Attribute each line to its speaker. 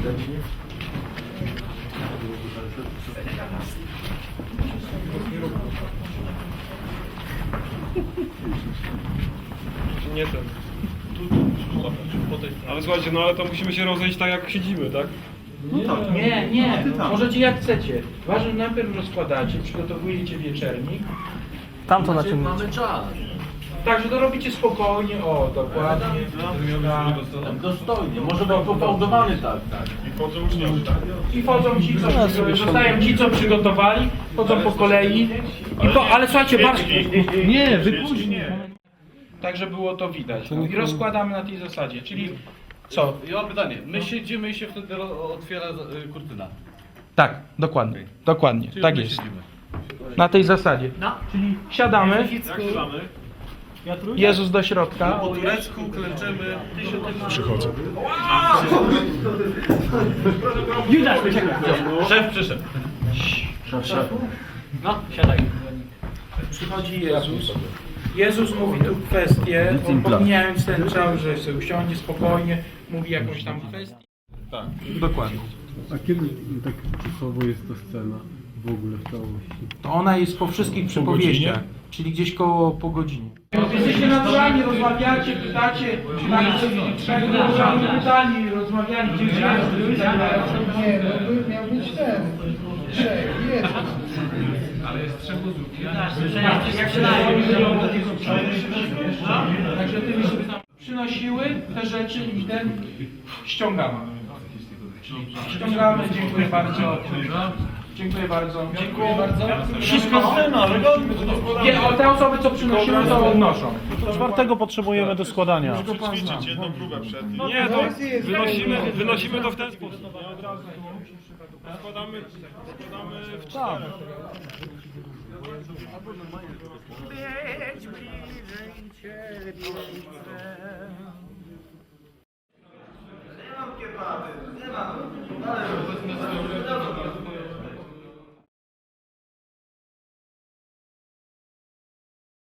Speaker 1: Nie ten. Ale słuchajcie, no ale to musimy się rozejść tak jak siedzimy, tak?
Speaker 2: No tak. Nie, możecie jak chcecie. Ważne, najpierw rozkładacie, przygotowujecie wieczernik.
Speaker 3: Tamto na czym
Speaker 4: Mamy czas.
Speaker 2: Także to robicie spokojnie, o, dokładnie.
Speaker 4: Tak, dostojnie, może być pofałdowany tak.
Speaker 1: I chodzą uczniowie, tak?
Speaker 2: I wchodzą ci, co zostają ci, co przygotowali, chodzą po kolei. Ale słuchajcie, bardzo...
Speaker 4: Nie, wypóźnij.
Speaker 2: Tak, żeby było to widać. I rozkładamy na tej zasadzie, czyli co?
Speaker 4: Ja mam pytanie. My siedzimy i się wtedy otwiera kurtyna.
Speaker 2: Tak, dokładnie. Dokładnie,
Speaker 4: Czyli
Speaker 2: tak
Speaker 4: my
Speaker 2: jest.
Speaker 4: siedzimy.
Speaker 2: Na tej zasadzie. Czyli siadamy, Jezus do środka.
Speaker 4: Po turecku klęczymy.
Speaker 1: Przychodzę.
Speaker 2: Judasz, czekaj.
Speaker 4: Szef przyszedł.
Speaker 2: No, siadaj. Przychodzi Jezus. Jezus mówi tu kwestię, pomijając ten czas, że sobie usiądzie spokojnie, mówi jakąś tam kwestię.
Speaker 1: Tak.
Speaker 2: Dokładnie.
Speaker 5: A kiedy tak czasowo jest to scena w ogóle w całości?
Speaker 2: To ona jest po wszystkich przypowieściach, czyli gdzieś po godzinie. Jesteście naturalni, rozmawiacie, pytacie, czy macie trzech naturalni pytani, rozmawiali, gdzie jest.
Speaker 6: Nie, no miał być ten. Trzech, jest.
Speaker 2: Ale jest trzech osób. Jak się Także tymi sobie tam przynosiły te rzeczy i ten ściągamy. Ściągamy, dziękuję bardzo. Dziękuję bardzo. Dziękuję bardzo.
Speaker 4: Wszystko scena, ale
Speaker 2: Nie, o te osoby, co przynosiły, to odnoszą.
Speaker 5: Czwartego potrzebujemy do składania.
Speaker 1: Ćwiczyć jedną próbę przed. Nie, to wynosimy to w ten sposób. Nie od razu. Składamy w cztery.
Speaker 2: Być bliżej Ciebie chcę.